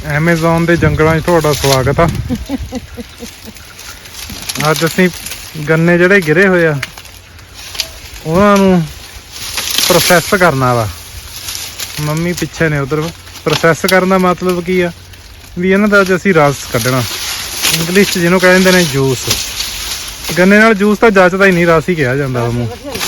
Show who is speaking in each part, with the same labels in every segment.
Speaker 1: Amazon ਦੇ ਜੰਗਲਾਂ 'ਚ ਤੁਹਾਡਾ ਸਵਾਗਤ ਆ। ਅੱਜ ਅਸੀਂ ਗੰਨੇ ਜਿਹੜੇ ਗਿਰੇ ਹੋਏ ਆ ਉਹਨਾਂ ਨੂੰ ਪ੍ਰੋਸੈਸ ਕਰਨਾ ਵਾ। ਮੰਮੀ ਪਿੱਛੇ ਨੇ ਉਧਰ। ਪ੍ਰੋਸੈਸ ਕਰਨ ਦਾ ਮਤਲਬ ਕੀ ਆ ਵੀ ਇਹਨਾਂ ਦਾ ਅੱਜ ਅਸੀਂ ਰਸ ਕੱਢਣਾ, ਇੰਗਲਿਸ਼ 'ਚ ਜਿਹਨੂੰ ਕਹਿੰਦੇ ਨੇ ਜੂਸ। ਗੰਨੇ ਨਾਲ ਜੂਸ ਤਾਂ ਜੱਚਦਾ ਹੀ ਨਹੀਂ, ਰਸ ਹੀ ਕਿਹਾ ਜਾਂਦਾ ਉਹਨੂੰ।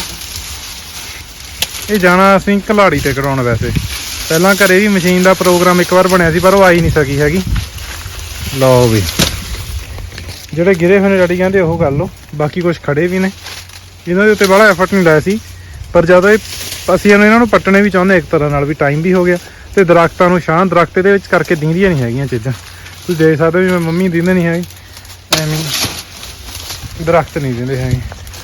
Speaker 1: ਇਹ ਜਾਣਾ ਅਸੀਂ ਘਲਾੜੀ ਤੇ ਕਰਾਉਣ। ਵੈਸੇ ਪਹਿਲਾਂ ਘਰੇ ਵੀ ਮਸ਼ੀਨ ਦਾ ਪ੍ਰੋਗਰਾਮ ਇੱਕ ਵਾਰ ਬਣਿਆ ਸੀ ਪਰ ਉਹ ਆਈ ਨਹੀਂ ਸਕੀ ਹੈਗੀ। ਲਓ ਵੀ ਜਿਹੜੇ ਗਿਰੇ ਹੋਏ ਨੇ ਡੈਡੀ ਕਹਿੰਦੇ ਉਹ ਕਰ ਲਓ, ਬਾਕੀ ਕੁਛ ਖੜੇ ਵੀ ਨੇ। ਇਹਨਾਂ ਦੇ ਉੱਤੇ ਬੜਾ ਐਫਰਟ ਨਹੀਂ ਲਾਇਆ ਸੀ, ਪਰ ਜਦੋਂ ਅਸੀਂ ਇਹਨਾਂ ਨੂੰ ਪੱਟਣੇ ਵੀ ਚਾਹੁੰਦੇ ਇੱਕ ਤਰ੍ਹਾਂ ਨਾਲ, ਵੀ ਟਾਈਮ ਵੀ ਹੋ ਗਿਆ ਤੇ ਦਰਖਤਾਂ ਨੂੰ ਛਾਂ ਦਰਖਤ ਦੇ ਵਿੱਚ ਕਰਕੇ ਦੀਂਦੀਆਂ ਨਹੀਂ ਹੈਗੀਆਂ ਚੀਜ਼ਾਂ। ਤੁਸੀਂ ਦੇਖ ਸਕਦੇ ਹੋ ਵੀ ਮੰਮੀ ਦਿੰਦੇ ਨਹੀਂ ਹੈਗੇ, ਐਵੇਂ ਦਰਖਤ ਨਹੀਂ ਦਿੰਦੇ ਹੈਗੇ।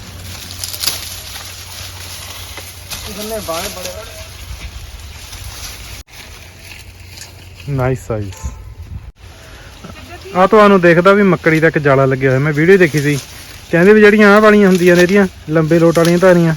Speaker 1: ਨਾਈਸ ਸਾਈਜ਼ ਆ। ਤੁਹਾਨੂੰ ਦੇਖਦਾ ਵੀ ਮੱਕੜੀ ਦਾ ਇੱਕ ਜਾਲਾ ਲੱਗਿਆ ਹੋਇਆ। ਮੈਂ ਵੀਡੀਓ ਦੇਖੀ ਸੀ, ਕਹਿੰਦੇ ਵੀ ਜਿਹੜੀਆਂ ਆਹ ਵਾਲੀਆਂ ਹੁੰਦੀਆਂ ਨੇ ਇਹਦੀਆਂ ਲੰਬੇ ਲੋਟ ਵਾਲੀਆਂ ਧਾਰੀਆਂ,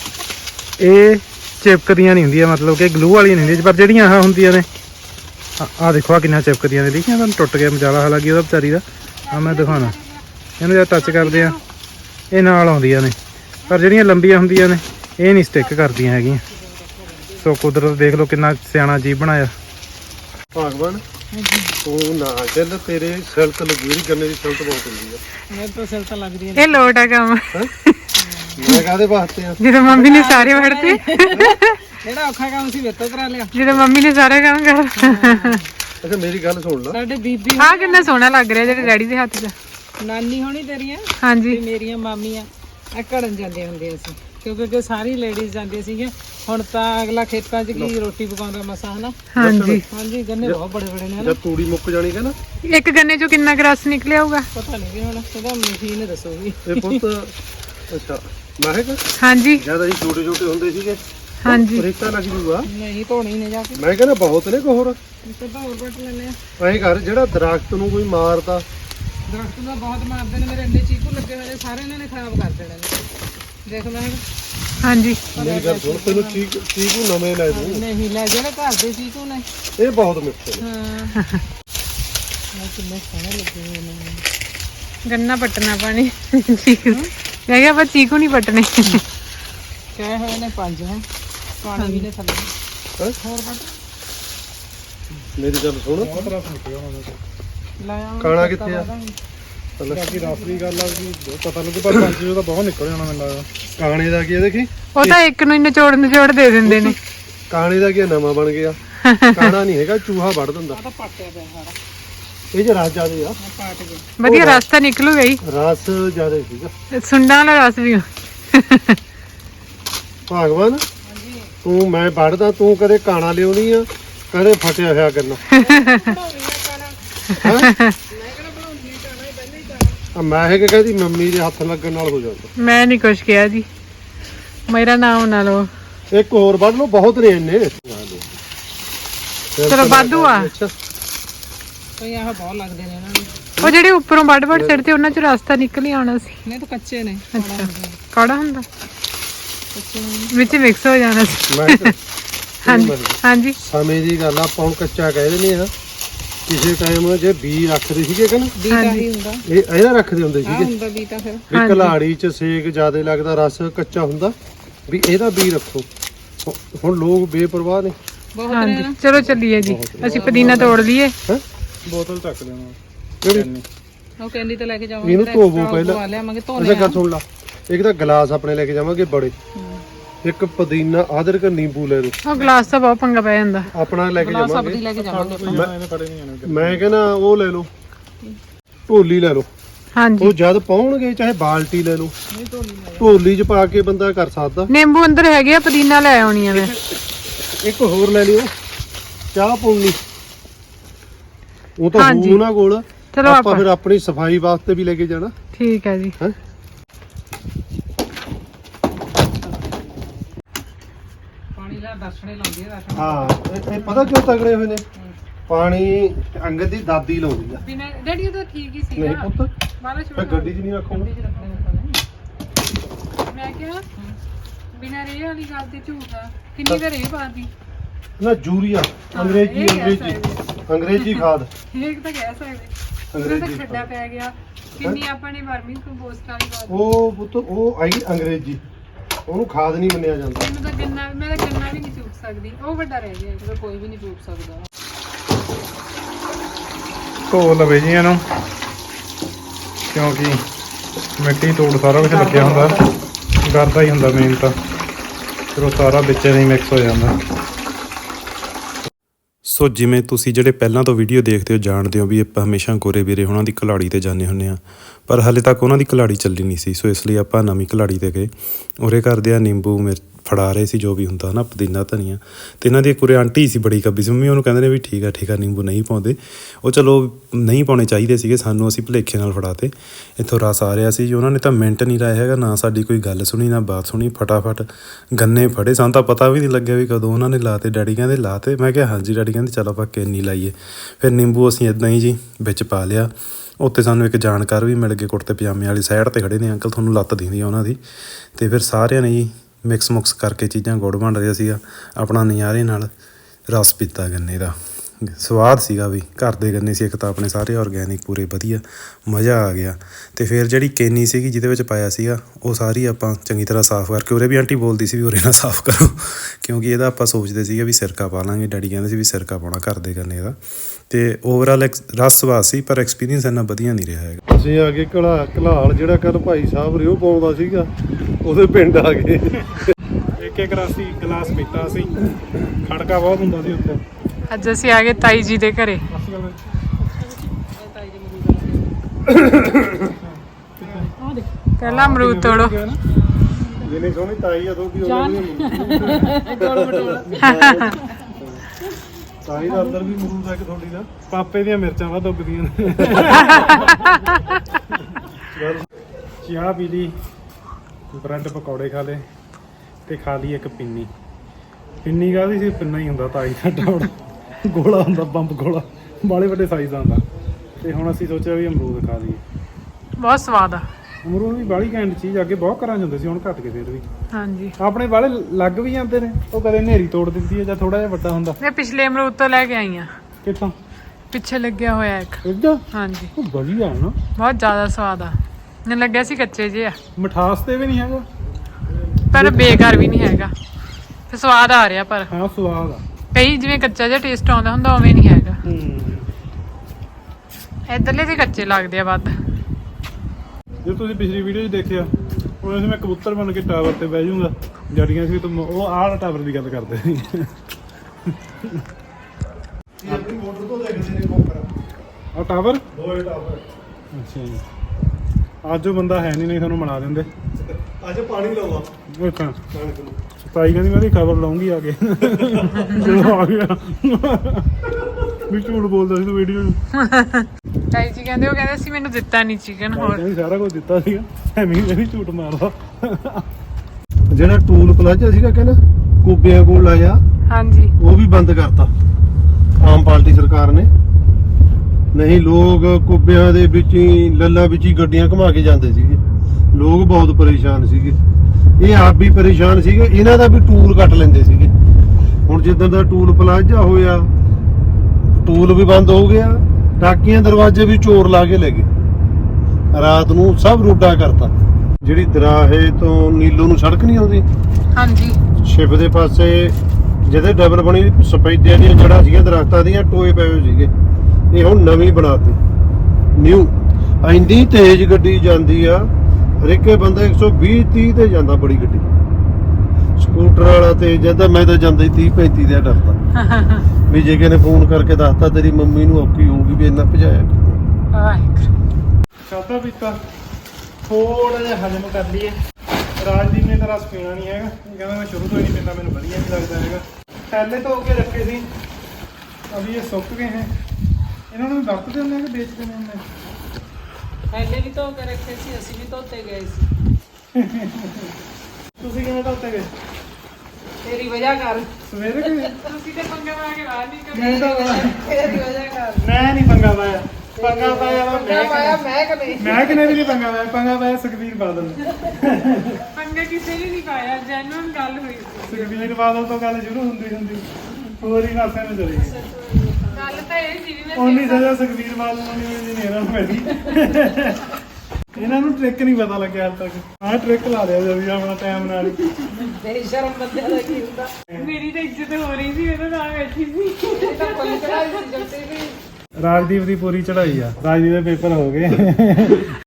Speaker 1: ਇਹ ਚਿਪਕਦੀਆਂ ਨਹੀਂ ਹੁੰਦੀਆਂ, ਮਤਲਬ ਕਿ ਗਲੂ ਵਾਲੀਆਂ ਨਹੀਂ ਹੁੰਦੀਆਂ। ਪਰ ਜਿਹੜੀਆਂ ਆਹ ਹੁੰਦੀਆਂ ਨੇ, ਆਹ ਦੇਖੋ ਆ ਕਿੰਨਾ ਚਿਪਕਦੀਆਂ ਨੇ। ਦੇਖੀਆਂ ਤੁਹਾਨੂੰ? ਟੁੱਟ ਗਿਆ ਜਾਲਾ, ਹਾਲਾਂਕਿ ਉਹਦਾ ਵਿਚਾਰੀ ਦਾ। ਆ ਮੈਂ ਦਿਖਾਉਣਾ ਇਹਨੂੰ, ਜਦ ਟੱਚ ਕਰਦੇ ਆ ਇਹ ਨਾਲ ਆਉਂਦੀਆਂ ਨੇ, ਪਰ ਜਿਹੜੀਆਂ ਲੰਬੀਆਂ ਹੁੰਦੀਆਂ ਨੇ ਇਹ ਨਹੀਂ ਸਟਿਕ ਕਰਦੀਆਂ ਹੈਗੀਆਂ। ਸੋ ਕੁਦਰਤ ਦੇਖ ਲਓ ਕਿੰਨਾ ਸਿਆਣਾ ਜੀਵ ਬਣਾਇਆ
Speaker 2: ਭਗਵਾਨ। ਤੂੰ ਨਾ ਚੱਲ, ਤੇਰੇ ਸਿਲਤ ਲੱਗੀ, ਗੰਨੇ ਦੀ ਸਿਲਤ ਬਹੁਤ ਹੁੰਦੀ ਆ।
Speaker 3: ਮੇਰੇ ਤੋਂ ਸਿਲਤ ਲੱਗਦੀ ਹੈ।
Speaker 4: ਇਹ ਲੋਟ ਆ ਕੰਮ।
Speaker 2: ਮੈਂ ਕਾਹਦੇ ਵਾਸਤੇ ਆ?
Speaker 4: ਜਦੋਂ ਮੰਮੀ ਨੇ ਸਾਰੇ ਵੜਤੇ,
Speaker 3: ਜਿਹੜਾ ਔਖਾ ਕੰਮ ਸੀ ਮੇਰੇ ਤੋਂ ਕਰਾ ਲਿਆ।
Speaker 4: ਜਦੋਂ ਮੰਮੀ ਨੇ ਸਾਰੇ ਕੰਮ ਕਰ।
Speaker 2: ਅੱਛਾ ਮੇਰੀ ਗੱਲ ਸੁਣ ਲੈ।
Speaker 3: ਸਾਡੇ ਬੀਬੀ
Speaker 4: ਆਹ ਕਿੰਨਾ ਸੋਹਣਾ ਲੱਗ ਰਿਹਾ ਜਿਹੜੇ ਡੈਡੀ ਦੇ ਹੱਥ 'ਚ।
Speaker 3: ਨਾਨੀ ਹੋਣੀ ਤੇਰੀਆਂ
Speaker 4: ਹਾਂਜੀ,
Speaker 3: ਤੇ ਮੇਰੀਆਂ ਮਾਮੀਆਂ ਆ ਘੜਨ ਜਾਂਦੇ ਹੁੰਦੇ ਸੀ, ਕਿਉਂਕਿ ਸਾਰੀ ਲੇਡੀਜ਼ ਜਾਂਦੇ ਸੀਗੇ। ਹੁਣ ਤਾਂ ਅਗਲਾ ਖੇਤਾਂ 'ਚ ਕੀ ਰੋਟੀ ਪਕਾਉਂਦਾ ਮਸਾ, ਹਨਾ।
Speaker 4: ਹਾਂਜੀ
Speaker 3: ਹਾਂਜੀ, ਗੰਨੇ ਬਹੁਤ ਬੜੇ ਬੜੇ ਨੇ, ਹਨਾ।
Speaker 2: ਜਦ ਤੂੜੀ ਮੁੱਕ ਜਾਣੀ ਕਿ ਨਾ,
Speaker 4: ਇੱਕ ਗੰਨੇ 'ਚੋਂ ਕਿੰਨਾ ਗਰਸ ਨਿਕਲਿਆ ਹੋਊਗਾ
Speaker 3: ਪਤਾ ਨਹੀਂ ਵੀ ਹੁਣ ਇਹਦਾ ਮਸ਼ੀਨ ਦੱਸੂਗੀ।
Speaker 2: ਇਹ ਪੁੱਤ। ਅੱਛਾ ਮਹਿਕ,
Speaker 4: ਹਾਂਜੀ
Speaker 2: ਜਦ ਅਸੀਂ ਛੋਟੇ ਛੋਟੇ ਹੁੰਦੇ ਸੀਗੇ
Speaker 4: ਹਾਂਜੀ।
Speaker 2: ਰੇਤਾ ਲੱਗ ਜੂਗਾ।
Speaker 3: ਨਹੀਂ ਧੋਣੀ ਨੇ ਜਾ ਕੇ,
Speaker 2: ਮੈਂ ਕਹਿੰਦਾ ਬਹੁਤ ਨੇ ਕੋਹਰ।
Speaker 3: ਇੱਕ ਤਾਂ ਹੋਰ ਕੱਟ ਲੈਣੇ ਆ।
Speaker 2: ਐਂ ਕਰ, ਜਿਹੜਾ ਦਰਖਤ ਨੂੰ ਕੋਈ ਮਾਰਦਾ,
Speaker 3: ਦਰਖਤ ਦਾ ਬਹੁਤ ਮਾਰਦੇ ਨੇ। ਮੇਰੇ ਇੰਨੇ ਚੀਕੂ ਲੱਗੇ ਹੋਏ ਨੇ, ਸਾਰੇ ਇਹਨਾਂ ਨੇ ਖਰਾਬ ਕਰ ਦੇਣੇ ਨੇ। ਦੇਖ ਮੈਂ
Speaker 4: ਹਾਂਜੀ।
Speaker 2: ਮੇਰੀ ਗੱਲ ਸੁਣ, ਤੈਨੂੰ ਚੀਕੂ ਨਵੇਂ ਲੈ ਦੂੰ।
Speaker 3: ਨਹੀਂ ਲੈ ਜਿਹੜੇ ਘਰ ਦੇ ਚੀਕੂ ਨੇ,
Speaker 2: ਇਹ ਬਹੁਤ ਮਿੱਠੇ ਨੇ।
Speaker 3: ਹਾਂ। ਮੈਂ ਕਿੰਨੇ ਸੋਹਣੇ ਲੱਗੇ ਹੋਏ ਨੇ।
Speaker 4: ਗੰਨਾ ਪੱਟਣਾ ਪਾਣੀ ਚੀਕੂ। ਮੈਂ ਕਿਹਾ ਆਪਾਂ ਚੀਕੂ ਨਹੀਂ ਪੱਟਣੇ।
Speaker 3: ਕਹੇ ਹੋਏ ਨੇ 5 ਹੈ, ਪਾਣੀ ਵੀ ਨੇ ਥੱਲੇ।
Speaker 2: ਹੈਂ?
Speaker 3: ਹੋਰ ਕੱਟ
Speaker 2: ਮੇਰੀ ਗੱਲ ਸੁਣ,
Speaker 3: ਲੈ ਆਵਾਂ।
Speaker 2: ਕਾਣਾ ਕਿੱਥੇ ਆ?
Speaker 1: ਬਾਕੀ ਰਸ ਦੀ ਗੱਲ ਆ ਵੀ ਪਤਾ ਲੱਗੂ, ਪਰ 5 ਤਾਂ ਬਹੁਤ ਨਿਕਲ ਜਾਣਾ ਮੈਨੂੰ ਲੱਗਦਾ।
Speaker 2: ਕਾਣੇ ਦਾ ਕੀ ਆ? ਦੇਖੀ,
Speaker 4: ਉਹ ਤਾਂ ਇੱਕ ਨੂੰ ਹੀ ਨਿਚੋੜ ਦੇ ਦਿੰਦੇ ਨੇ।
Speaker 2: ਕਾਣੇ ਦਾ ਕੀ ਆ, ਨਵਾਂ ਬਣ ਗਿਆ। ਕਾਣਾ ਨਹੀਂ ਹੈਗਾ, ਚੂਹਾ ਵੜ ਦਿੰਦਾ।
Speaker 3: ਆ ਤਾਂ ਪਾਟਿਆ ਪਿਆ ਸਾਰਾ,
Speaker 2: ਇਹ ਚ ਰਸ ਜ਼ਿਆਦੇ ਆ।
Speaker 3: ਆ ਪਾਟ ਗਏ।
Speaker 4: ਵਧੀਆ ਰਸ ਤਾਂ ਨਿਕਲੂਗਾ ਹੀ।
Speaker 2: ਰਸ ਜ਼ਿਆਦੇ ਸੀਗਾ।
Speaker 4: ਸੁੰਡਾਂ ਵਾਲਾ ਰਸ ਵੀ।
Speaker 2: ਭਗਵਾਨ, ਤੂੰ ਮੈਂ ਵੜਦਾ, ਤੂੰ ਕਦੇ ਕਾਣਾ ਲਿਆਉਣੀ ਆ, ਕਦੇ ਫਟਿਆ ਹੋਇਆ ਕਰਨਾ। ਮੈਂ ਇਹ ਕਹਿੰਦੀ ਮੰਮੀ ਦੇ ਹੱਥ ਲੱਗਣ ਨਾਲ ਹੋ ਜਾਂਦਾ।
Speaker 4: ਮੈਂ ਨਹੀਂ ਕੁਛ ਕਿਹਾ ਜੀ, ਮੇਰਾ ਨਾਮ ਨਾ ਲਓ।
Speaker 2: ਇੱਕ ਹੋਰ ਵੱਢ ਲਓ, ਬਹੁਤ ਨੇ ਇੰਨੇ।
Speaker 4: ਚਲੋ ਵਾਧੂ ਆ।
Speaker 3: ਕੋਈ ਆਹ ਬਹੁਤ ਲੱਗਦੇ ਨੇ ਇਹਨਾਂ ਨੂੰ।
Speaker 4: ਉਹ ਜਿਹੜੇ ਉੱਪਰੋਂ ਵੱਡ ਸਿੱਟਦੇ ਉਹਨਾਂ 'ਚ ਰਸ ਤਾਂ ਨਿਕਲ ਹੀ ਆਉਣਾ ਸੀ।
Speaker 3: ਨਹੀਂ ਤਾਂ ਕੱਚੇ ਨੇ।
Speaker 4: ਅੱਛਾ, ਕਾੜਾ ਹੁੰਦਾ
Speaker 3: ਕੱਚੇ
Speaker 4: ਵਿੱਚ ਮਿਕਸ ਹੋ ਜਾਣਾ ਸੀ।
Speaker 2: ਮੈਂ ਕਿਹਾ,
Speaker 4: ਹਾਂਜੀ ਹਾਂਜੀ।
Speaker 2: ਸਮੇਂ ਦੀ ਗੱਲ ਆ, ਆਪਾਂ ਹੁਣ ਕੱਚਾ ਕਹਿ ਦਿੰਦੇ ਆ। ਕਿਸੇ ਟਾਈਮ ਜੇ ਬੀ ਰੱਖਦੇ ਸੀਗੇ ਕਿ ਨਾ,
Speaker 3: ਬੀ ਤਾਂ ਹੀ ਹੁੰਦਾ।
Speaker 2: ਇਹ ਇਹਦਾ ਰੱਖਦੇ ਹੁੰਦੇ
Speaker 3: ਆ
Speaker 2: ਸੀਗੇ
Speaker 3: ਹੁੰਦਾ ਬੀ ਤਾਂ ਫਿਰ।
Speaker 2: ਵੀ ਕਲਾੜੀ ਚ ਸੇਕ ਜ਼ਿਆਦਾ ਲੱਗਦਾ, ਰਸ ਕੱਚਾ ਹੁੰਦਾ, ਵੀ ਇਹਦਾ ਬੀ ਰੱਖੋ। ਹੁਣ ਲੋਕ ਬੇਪਰਵਾਹ ਨੇ।
Speaker 3: ਬਹੁਤ ਨੇ
Speaker 4: ਹਾਂਜੀ,
Speaker 3: ਨਾ।
Speaker 4: ਚਲੋ ਚੱਲੀਏ ਜੀ, ਅਸੀਂ ਪੁਦੀਨਾ ਤੋੜ ਲਈਏ।
Speaker 2: ਹੈ
Speaker 1: ਬੋਤਲ ਚੱਕ ਲੈਣਾ।
Speaker 2: ਕਿਹੜੀ?
Speaker 3: ਉਹ ਕਹਿੰਦੀ ਤਾਂ ਲੈ ਕੇ ਜਾਵਾਂਗੇ।
Speaker 2: ਇਹਨੂੰ ਧੋਵੋ ਪਹਿਲਾਂ।
Speaker 3: ਆ ਲਿਆਵਾਂਗੇ, ਧੋ
Speaker 2: ਅੱਛਾ ਗੱਲ ਸੁਣ ਲਾ, ਇੱਕ ਤਾਂ ਗਲਾਸ ਆਪਣੇ ਲੈ ਕੇ ਜਾਵਾਂਗੇ ਬੜੇ, ਇੱਕ ਪੁਦੀਨਾ, ਅਦਰਕ, ਨਿੰਬੂ ਲੈ ਲਓ।
Speaker 4: ਉਹ ਗਲਾਸ ਤਾਂ ਬਹੁਤ ਪੰਗਾ ਪੈ ਜਾਂਦਾ।
Speaker 2: ਆਪਣਾ ਲੈ ਕੇ
Speaker 3: ਸਬਜ਼ੀ
Speaker 2: ਜਾਵਾਂਗੇ।
Speaker 3: ਲੈ ਕੇ ਜਾਵਾਂਗੇ।
Speaker 1: ਇਹਨੇ ਖੜੇ ਨਹੀਂ ਆਣੇ।
Speaker 2: ਮੈਂ ਕਹਿੰਦਾ ਉਹ ਲੈ ਲਓ, ਢੋਲੀ ਲੈ ਲਓ।
Speaker 4: ਹਾਂਜੀ,
Speaker 2: ਉਹ ਜਦ ਪਾਉਣਗੇ ਚਾਹੇ ਬਾਲਟੀ ਲੈ ਲਓ, ਢੋਲੀ ਚ ਪਾ ਕੇ ਬੰਦਾ ਕਰ ਸਕਦਾ।
Speaker 4: ਨਿੰਬੂ ਅੰਦਰ ਹੈਗੇ ਆ, ਪੁਦੀਨਾ ਲੈ ਆਉਣੀ ਆ ਮੈਂ।
Speaker 2: ਇੱਕ ਹੋਰ ਲੈ ਲਿਓ, ਚਾਹ ਪੂਣੀ। ਉਹ ਤਾਂ
Speaker 4: ਹਾਂਜੀ।
Speaker 2: ਉਹਨਾਂ ਕੋਲ।
Speaker 4: ਚਲੋ
Speaker 2: ਆਪਾਂ
Speaker 4: ਆਪਾਂ
Speaker 2: ਫਿਰ ਆਪਣੀ ਸਫਾਈ ਵਾਸਤੇ ਵੀ ਲੈ ਕੇ ਜਾਣਾ।
Speaker 4: ਠੀਕ ਹੈ ਜੀ।
Speaker 2: ਹੈ
Speaker 3: ਪਾਣੀ ਦਾ ਦਰਸ਼ਨੇ ਲਾਉਂਦੀ ਹੈ। ਦਰਸ਼ਨ
Speaker 2: ਹਾਂ, ਇਹ ਪਤਾ ਕਿਉਂ ਤਗੜੇ ਹੋਏ ਨੇ? ਪਾਣੀ ਅੰਗਦ ਦੀ ਦਾਦੀ ਲਾਉਂਦੀ ਆ।
Speaker 4: ਬਿਨਾ ਡੈਡੀ ਉਹ ਤਾਂ ਠੀਕ ਹੀ ਸੀ
Speaker 2: ਨਹੀਂ ਪੁੱਤ,
Speaker 4: ਬਾਲਾ
Speaker 2: ਮੈਂ ਗੱਡੀ 'ਚ ਨਹੀਂ ਰੱਖੂੰਗਾ।
Speaker 4: ਮੈਂ ਕਿਹਾ ਬਿਨਾ ਰੇ ਵਾਲੀ ਗੱਲ ਤੇ ਝੂਠ ਆ। ਕਿੰਨੀ ਵਾਰ ਇਹ ਬਾਤ ਦੀ
Speaker 2: ਨਾ, ਜੂਰੀਆ ਅੰਗਰੇਜ਼ੀ।
Speaker 4: ਇਹ ਆ
Speaker 2: ਅੰਗਰੇਜ਼ੀ
Speaker 4: ਸ਼ਾਇਦ।
Speaker 2: ਅੰਗਰੇਜ਼ੀ ਖਾਦ
Speaker 4: ਇਹ ਤਾਂ ਕਹਿ ਸਕਦੇ ਉਹਦਾ ਤਾਂ
Speaker 2: ਅੰਗਰੇਜ਼ੀ
Speaker 4: ਖੱਡਾ ਪੈ ਗਿਆ ਕਿੰਨੀ ਆਪਾਂ ਨੇ ਵਰਮਿੰਗ ਕੰਪੋਸਟ ਵਾਲੀ ਬਾਤ
Speaker 2: ਉਹ ਪੁੱਤ ਉਹ ਆਈ ਅੰਗਰੇਜ਼ੀ, ਉਹਨੂੰ ਖਾਦ ਨਹੀਂ ਮੰਨਿਆ ਜਾਂਦਾ।
Speaker 4: ਮੈਨੂੰ ਤਾਂ ਗੰਨਾ ਮੈਂ ਤਾਂ ਗੰਨਾ ਵੀ ਨਹੀਂ ਚੂਕ ਸਕਦੀ, ਉਹ ਵੱਡਾ ਰਹਿ ਗਿਆ।
Speaker 3: ਜਦੋਂ ਕੋਈ ਵੀ ਨਹੀਂ ਚੂਕ ਸਕਦਾ।
Speaker 1: ਧੋ ਲਵੇ ਜੀ ਇਹਨੂੰ, ਕਿਉਂਕਿ ਮਿੱਟੀ ਧੂੜ ਸਾਰਾ ਕੁਝ ਲੱਗਿਆ ਹੁੰਦਾ, ਗਰਦਾ ਹੀ ਹੁੰਦਾ ਮੇਨ ਤਾਂ, ਫਿਰ ਉਹ ਸਾਰਾ ਵਿੱਚ ਨਹੀਂ ਮਿਕਸ ਹੋ ਜਾਂਦਾ।
Speaker 5: ਸੋ ਜਿਵੇਂ ਤੁਸੀਂ ਜਿਹੜੇ ਪਹਿਲਾਂ ਤੋਂ ਵੀਡੀਓ ਦੇਖਦੇ ਹੋ ਜਾਣਦੇ ਹੋ ਵੀ ਆਪਾਂ ਹਮੇਸ਼ਾ ਗੋਰੇ ਵੀਰੇ ਉਹਨਾਂ ਦੀ ਘਲਾੜੀ ਤੇ ਜਾਂਦੇ ਹੁੰਦੇ ਆ, ਪਰ ਹਾਲੇ ਤੱਕ ਉਹਨਾਂ ਦੀ ਘਲਾੜੀ ਚੱਲੀ ਨਹੀਂ ਸੀ। ਸੋ ਇਸ ਲਈ ਆਪਾਂ ਨਵੀਂ ਘਲਾੜੀ ਤੇ ਗਏ। ਉਰੇ ਕਰਦੇ ਆ ਨਿੰਬੂ ਮਿਰਚ ਫੜਾ ਰਹੇ ਸੀ, ਜੋ ਵੀ ਹੁੰਦਾ ਨਾ, ਪੁਦੀਨਾ ਧਨੀਆ, ਤੇ ਇਹਨਾਂ ਦੀ ਇੱਕ ਉਰੇ ਆਂਟੀ ਸੀ ਬੜੀ ਕੱਬੀ ਸੀ, ਮੰਮੀ ਉਹਨੂੰ ਕਹਿੰਦੇ ਨੇ ਵੀ ਠੀਕ ਆ ਨਿੰਬੂ ਨਹੀਂ ਪਾਉਂਦੇ, ਉਹ ਚਲੋ ਨਹੀਂ ਪਾਉਣੇ ਚਾਹੀਦੇ ਸੀਗੇ, ਸਾਨੂੰ ਅਸੀਂ ਭੁਲੇਖੇ ਨਾਲ ਫੜਾਤੇ। ਇੱਥੋਂ ਰਸ ਆ ਰਿਹਾ ਸੀ ਜੀ, ਉਹਨਾਂ ਨੇ ਤਾਂ ਮਿੰਟ ਨਹੀਂ ਲਾਇਆ ਹੈਗਾ, ਨਾ ਸਾਡੀ ਕੋਈ ਗੱਲ ਸੁਣੀ ਨਾ ਬਾਤ ਸੁਣੀ, ਫਟਾਫਟ ਗੰਨੇ ਫੜੇ। ਸਾਨੂੰ ਤਾਂ ਪਤਾ ਵੀ ਨਹੀਂ ਲੱਗਿਆ ਵੀ ਕਦੋਂ ਉਹਨਾਂ ਨੇ ਲਾਤੇ। ਡੈਡੀ ਕਹਿੰਦੇ ਲਾਤੇ, ਮੈਂ ਕਿਹਾ ਹਾਂਜੀ। ਡੈਡੀ ਕਹਿੰਦੇ ਚਲ ਆਪਾਂ ਕਿੰਨੀ ਲਾਈਏ। ਫਿਰ ਨਿੰਬੂ ਅਸੀਂ ਇੱਦਾਂ ਹੀ ਜੀ ਵਿੱਚ ਪਾ ਲਿਆ। ਉੱਥੇ ਸਾਨੂੰ ਇੱਕ ਜਾਣਕਾਰ ਵੀ ਮਿਲ ਗਏ, ਕੁੜਤੇ ਪਜਾਮੇ ਵਾਲੀ ਸਾਈਡ 'ਤੇ ਖੜੇ ਨੇ ਅੰਕਲ, ਤੁਹਾਨੂੰ ਲੱਤ ਦਿੰਦੀ ਆ ਉਹਨਾਂ ਦੀ। ਅਤੇ ਫਿਰ ਸਾਰਿਆਂ ਨੇ ਜੀ ਮਿਕਸ ਮੁਕਸ ਕਰਕੇ ਚੀਜ਼ਾਂ, ਗੁੜ ਬਣ ਰਿਹਾ ਸੀਗਾ, ਆਪਣਾ ਨਜ਼ਾਰੇ ਨਾਲ ਰਸ ਪੀਤਾ ਗੰਨੇ ਦਾ। ਸਵਾਦ ਸੀਗਾ ਵੀ, ਘਰ ਦੇ ਗੰਨੇ ਸੀ ਇੱਕ ਤਾਂ ਆਪਣੇ, ਸਾਰੇ ਔਰਗੈਨਿਕ ਪੂਰੇ ਵਧੀਆ, ਮਜ਼ਾ ਆ ਗਿਆ। ਅਤੇ ਫਿਰ ਜਿਹੜੀ ਕੇਨੀ ਸੀਗੀ ਜਿਹਦੇ ਵਿੱਚ ਪਾਇਆ ਸੀਗਾ, ਉਹ ਸਾਰੀ ਆਪਾਂ ਚੰਗੀ ਤਰ੍ਹਾਂ ਸਾਫ਼ ਕਰਕੇ, ਉਰੇ ਵੀ ਆਂਟੀ ਬੋਲਦੀ ਸੀ ਵੀ ਉਰੇ ਨਾ ਸਾਫ਼ ਕਰੋ, ਕਿਉਂਕਿ ਇਹਦਾ ਆਪਾਂ ਸੋਚਦੇ ਸੀਗੇ ਵੀ ਸਿਰਕਾ ਪਾ ਲਾਂਗੇ। ਡੈਡੀ ਕਹਿੰਦੇ ਸੀ ਵੀ ਸਿਰਕਾ ਪਾਉਣਾ ਘਰ ਦੇ ਗੰਨੇ ਦਾ। ਅਤੇ ਓਵਰਆਲ ਰਸ ਸਵਾਦ ਸੀ, ਪਰ ਐਕਸਪੀਰੀਅੰਸ ਇੰਨਾ ਵਧੀਆ ਨਹੀਂ ਰਿਹਾ ਹੈਗਾ।
Speaker 2: ਅਸੀਂ ਆ ਗਏ ਘਲਾਲ, ਜਿਹੜਾ ਕੱਲ ਭਾਈ ਸਾਹਿਬ ਰਿਓ ਪਾਉਂਦਾ ਸੀਗਾ, ਉਹਦੇ ਪਿੰਡ ਆ ਗਏ।
Speaker 1: ਇੱਕ ਰਾਸੀ ਗਲਾਸ ਪੀਤਾ ਸੀ, ਖੜਕਾ ਬਹੁਤ ਹੁੰਦਾ ਸੀ ਉੱਥੇ।
Speaker 4: ਅੱਜ ਅਸੀਂ ਆ ਗਏ ਤਾਈ ਜੀ ਦੇ ਘਰੇ। ਪਹਿਲਾਂ ਅਮਰੂਦ ਤੋੜੋ।
Speaker 2: ਜਿਹਨੇ ਸੋਹਣੀ ਤਾਈ ਆ ਤੁਹਾਡੀ, ਤਾਈ ਦਾ ਅੰਦਰ ਵੀ ਮਰੂਦ ਆ ਕਿ ਤੁਹਾਡੀ ਦਾ।
Speaker 1: ਪਾਪੇ ਦੀਆਂ ਮਿਰਚਾਂ ਵੱਧ ਉੱਗਦੀਆਂ ਨੇ। ਚਾਹ ਪੀ ਲਈ, ਬ੍ਰੈਡ ਪਕੌੜੇ ਖਾ ਲਏ, ਤੇ ਖਾ ਲਈ ਇੱਕ ਪਿੰਨੀ। ਪਿੰਨੀ ਕਾਹਦੀ ਸੀ, ਪਿੰਨਾ ਹੀ ਹੁੰਦਾ ਤਾਈ ਦਾ ਟਾਉਣ, ਗੋਲਾ ਹੁੰਦਾ, ਬੰਬ ਗੋਲਾ, ਬਾਲੇ ਵੱਡੇ ਸਾਈਜ਼ ਦਾ ਹੁੰਦਾ। ਤੇ ਹੁਣ ਅਸੀਂ ਸੋਚਿਆ ਵੀ ਅਮਰੂਦ ਖਾ ਲਈਏ।
Speaker 4: ਬਹੁਤ ਸਵਾਦ ਆ
Speaker 1: ਅਮਰੂਦ ਵੀ ਬਾਹਲੀ ਘੈਂਟ ਚੀਜ਼, ਅੱਗੇ ਬਹੁਤ ਘਰਾਂ 'ਚ ਹੁੰਦੇ ਸੀ, ਹੁਣ ਘੱਟ ਗਏ ਫਿਰ ਵੀ।
Speaker 4: ਹਾਂਜੀ,
Speaker 1: ਆਪਣੇ ਬਾਲੇ ਲੱਗ ਵੀ ਜਾਂਦੇ ਨੇ, ਉਹ ਕਦੇ ਹਨੇਰੀ ਤੋੜ ਦਿੰਦੀ ਹੈ ਜਾਂ ਥੋੜਾ ਜਿਹਾ ਵੱਡਾ ਹੁੰਦਾ।
Speaker 4: ਮੈਂ ਪਿਛਲੇ ਅਮਰੂਦ ਤੋਂ ਲੈ ਕੇ ਆਈ ਆ,
Speaker 1: ਕਿੱਥੋਂ?
Speaker 4: ਪਿੱਛੇ ਲੱਗਿਆ ਹੋਇਆ ਇੱਕ।
Speaker 1: ਇੱਦਾਂ
Speaker 4: ਹਾਂਜੀ,
Speaker 1: ਉਹ ਵਧੀਆ ਨਾ,
Speaker 4: ਬਹੁਤ ਜ਼ਿਆਦਾ ਸਵਾਦ ਆ। ਮੈਨੂੰ ਲੱਗਿਆ ਸੀ ਕੱਚੇ ਜਿਹੇ ਆ,
Speaker 1: ਮਿਠਾਸ ਤੇ ਵੀ ਨਹੀਂ ਹੈਗਾ,
Speaker 4: ਪਰ ਬੇਕਾਰ ਵੀ ਨਹੀਂ ਹੈਗਾ, ਤੇ ਸਵਾਦ ਆ ਰਿਹਾ। ਪਰ
Speaker 1: ਹਾਂ ਸਵਾਦ ਆ।
Speaker 4: ਕਈ ਜਿਵੇਂ ਕੱਚਾ ਜਿਹਾ ਟੇਸਟ ਆਉਂਦਾ ਹੁੰਦਾ, ਉਵੇਂ ਨਹੀਂ ਹੈਗਾ। ਇੱਧਰਲੇ ਤੇ ਕੱਚੇ ਲੱਗਦੇ ਆ ਵੱਧ।
Speaker 1: ਜੇ ਤੁਸੀਂ ਪਿਛਲੀ ਵੀਡੀਓ 'ਚ ਦੇਖਿਆ, ਉਹਦੇ 'ਚ ਮੈਂ ਕਬੂਤਰ ਬਣ ਕੇ ਟਾਵਰ ਤੇ ਬਹਿ ਜਾਊਂਗਾ, ਜੜੀਆਂ ਸੀ, ਉਹ ਆਹ ਟਾਵਰ ਦੀ ਗੱਲ ਕਰਦੇ ਸੀ।
Speaker 2: ਮੋਟਰ ਤੋਂ ਦੇਖਦੇ ਨੇ ਕੋਕਰ,
Speaker 1: ਆਹ ਟਾਵਰ,
Speaker 2: ਦੋਏ ਟਾਵਰ।
Speaker 1: ਅੱਛਾ ਜੀ, ਅੱਜ ਉਹ ਬੰਦਾ ਹੈ ਨਹੀਂ ਤੁਹਾਨੂੰ ਮਿਲਾ ਦਿੰਦੇ।
Speaker 2: ਅੱਜ ਪਾਣੀ ਲਾਵਾ
Speaker 1: ਉਹ ਤਾਂ ਤਾਈ ਕਹਿੰਦੀ ਮੈਂ ਇਹਦੀ ਖਬਰ ਲਾਉਂਗੀ ਆ ਕੇ, ਜਦੋਂ ਆ ਗਿਆ ਵੀ ਝੂਠ ਬੋਲਦਾ ਸੀ ਤੂੰ ਵੀਡੀਓ 'ਚ।
Speaker 4: ਤਾਈ ਜੀ ਕਹਿੰਦੇ, ਉਹ ਕਹਿੰਦੇ ਸੀ ਮੈਨੂੰ ਦਿੱਤਾ ਨਹੀਂ ਚਿਕਨ। ਹੋਰ
Speaker 1: ਕਹਿੰਦੀ ਸਾਰਾ ਕੁਝ ਦਿੱਤਾ ਸੀਗਾ, ਐਵੇਂ ਹੀ ਵੀ ਝੂਠ ਮਾਰਦਾ।
Speaker 2: ਜਿਹੜਾ ਟੂਲ ਪਲਾਜ਼ਾ ਸੀਗਾ ਕਹਿੰਦਾ ਕੂਬਿਆਂ ਕੋਲ ਲਾਇਆ,
Speaker 4: ਹਾਂਜੀ,
Speaker 2: ਉਹ ਵੀ ਬੰਦ ਕਰਤਾ ਆਮ ਪਾਰਟੀ ਸਰਕਾਰ ਨੇ। ਨਹੀਂ ਲੋਕ ਕੁੱਬਿਆਂ ਦੇ ਵਿੱਚ ਹੀ, ਲੱਲਾ ਵਿੱਚ ਹੀ ਗੱਡੀਆਂ ਘੁਮਾ ਕੇ ਜਾਂਦੇ ਸੀਗੇ, ਲੋਕ ਬਹੁਤ ਪਰੇਸ਼ਾਨ ਸੀਗੇ। ਇਹ ਆਪ ਵੀ ਪਰੇਸ਼ਾਨ ਸੀਗੇ, ਇਹਨਾਂ ਦਾ ਵੀ ਟੂਲ ਕੱਟ ਲੈਂਦੇ ਸੀਗੇ। ਹੁਣ ਜਿੱਦਾਂ ਦਾ ਟੂਲ ਪਲਾਜ਼ਾ ਹੋਇਆ, ਟੂਲ ਵੀ ਬੰਦ ਹੋ ਗਿਆ, ਟਾਕੀਆਂ ਦਰਵਾਜ਼ੇ ਵੀ ਚੋਰ ਲਾ ਕੇ ਲੈ ਗਏ। ਰਾਤ ਨੂੰ ਸਭ ਰੋਡਾ ਕਰਤਾ। ਜਿਹੜੀ ਦਰਾਹੇ ਤੋਂ ਨੀਲੋ ਨੂੰ ਸੜਕ ਨਹੀਂ ਆਉਂਦੀ,
Speaker 4: ਹਾਂਜੀ,
Speaker 2: ਸ਼ਿਪ ਦੇ ਪਾਸੇ ਜਿਹਦੇ ਡਬਲ ਬਣੀ ਸਫੈਦਿਆਂ ਦੀਆਂ ਜੜ੍ਹਾਂ ਸੀਗੀਆਂ ਦਰਖਤਾਂ ਦੀਆਂ, ਟੋਏ ਪਏ ਹੋਏ ਸੀਗੇ। ਇਹ ਹੁਣ ਨਵੀਂ ਬਣਾਤੀ, ਨਿਊ। ਇੰਨੀ ਤੇਜ਼ ਗੱਡੀ ਜਾਂਦੀ ਆ, ਹਰੇਕੇ ਬੰਦਾ 120-30 ਤੇ ਜਾਂਦਾ, ਬੜੀ ਗੱਡੀ। ਸਕੂਟਰ ਵਾਲਾ ਤੇ ਜਾਂਦਾ, ਮੈਂ ਤਾਂ ਜਾਂਦਾ ਹੀ 30-35 ਦਾ ਡਰਦਾ ਵੀ ਜੇ ਕਿਸੇ ਨੇ ਫੋਨ ਕਰਕੇ ਦੱਸਤਾ ਤੇਰੀ ਮੰਮੀ ਨੂੰ ਔਖੀ ਹੋਊਗੀ ਵੀ ਇੰਨਾ ਭਜਾਇਆ।
Speaker 1: ਖਾਧਾ ਪੀਤਾ, ਥੋੜਾ ਜਿਹਾ ਹਜਮ ਕਰ ਲਈਏ। ਰਾਜਦੀਪ ਨੇ ਤਾਂ ਰਸ ਪੀਣਾ ਨਹੀਂ ਹੈਗਾ, ਕਹਿੰਦਾ ਮੈਂ ਸ਼ੁਰੂ ਤੋਂ ਹੀ ਨਹੀਂ ਪੀਂਦਾ, ਮੈਨੂੰ ਵਧੀਆ ਨਹੀਂ ਲੱਗਦਾ ਹੈਗਾ। ਥੈਲੇ ਧੋ ਕੇ ਰੱਖੇ ਸੀ, ਅਭੀ ਇਹ ਸੁੱਕ ਗਏ ਹੈ। ਇਹਨਾਂ ਨੂੰ ਵੀ ਵਰਤਦੇ ਹੁੰਦੇ ਕਿ ਵੇਚਦੇ ਹੁੰਦੇ?
Speaker 3: ਥੈਲੇ ਵੀ ਧੋ ਕੇ ਰੱਖੇ ਸੀ, ਅਸੀਂ ਵੀ ਧੋਤੇ ਗਏ ਸੀ।
Speaker 1: ਤੁਸੀਂ ਕਿਵੇਂ ਧੋਤੇ ਗਏ?
Speaker 3: ਤੇਰੀ ਵਜ੍ਹਾ ਕਰ।
Speaker 1: ਸਵੇਰੇ ਕਿ
Speaker 4: ਤੁਸੀਂ ਤੇ ਪੰਗਾ ਪਾ ਕੇ ਬਾਹਰ ਨਹੀਂ
Speaker 1: ਮੈਂ ਤਾਂ
Speaker 3: ਤੇਰੀ ਵਜ੍ਹਾ ਕਰ।
Speaker 1: ਮੈਂ ਨਹੀਂ ਪੰਗਾ ਪਾਇਆ, ਪੰਗਾ ਪਾਇਆ ਵਾ
Speaker 3: ਪੰਗਾ ਪਾਇਆ ਮੈਂ ਕਦੇ।
Speaker 1: ਮੈਂ ਕਿਨੇ ਵੀ ਨਹੀਂ ਪੰਗਾ ਪਾਇਆ, ਪੰਗਾ ਪਾਇਆ ਸੁਖਬੀਰ ਬਾਦਲ ਨੇ।
Speaker 4: ਪੰਗਾ ਕਿਸੇ ਨੇ ਨਹੀਂ ਪਾਇਆ, ਜੈਨੂਇਨ ਗੱਲ ਹੋਈ ਸੀ।
Speaker 1: ਸੁਖਬੀਰ ਬਾਦਲ ਤੋਂ ਗੱਲ ਸ਼ੁਰੂ ਹੁੰਦੀ ਹੋਰ ਹੀ ਹਾਸੇ ਨੂੰ ਚਲੀ ਗਈ।
Speaker 4: ਗੱਲ ਤਾਂ ਇਹ
Speaker 1: ਉਨੀ ਸਜ਼ਾ ਸੁਖਬੀਰ ਬਾਦਲ ਨੂੰ ਨਹੀਂ ਇਹਨਾਂ ਨੂੰ ਮਿਲੀ। ਇਹਨਾਂ ਨੂੰ ਟ੍ਰਿਕ ਨਹੀਂ ਪਤਾ ਲੱਗਿਆ ਹਾਲ ਤੱਕ। ਆਹ ਟ੍ਰਿਕ ਲਾ ਲਿਆ ਜੀ ਆਪਣਾ ਟਾਈਮ ਨਾਲ ਹੀ।
Speaker 3: ਬੇਸ਼ਰਮ ਬੰਦਿਆਂ ਦਾ ਕੀ ਹੁੰਦਾ।
Speaker 4: ਮੇਰੀ ਤਾਂ ਇੱਜ਼ਤ ਹੋ ਰਹੀ ਸੀ ਉਹਦੇ ਨਾਲ ਬੈਠੀ ਸੀ।
Speaker 3: ਇਹ ਤਾਂ ਪੁਲਿਸ ਚੜਾਈ ਸੀ ਜੱਟੀ ਵੀ।
Speaker 1: ਰਾਜਦੀਪ ਦੀ ਪੂਰੀ ਚੜਾਈ ਆ। ਰਾਜਦੀਪ ਦੇ ਪੇਪਰ ਹੋ ਗਏ।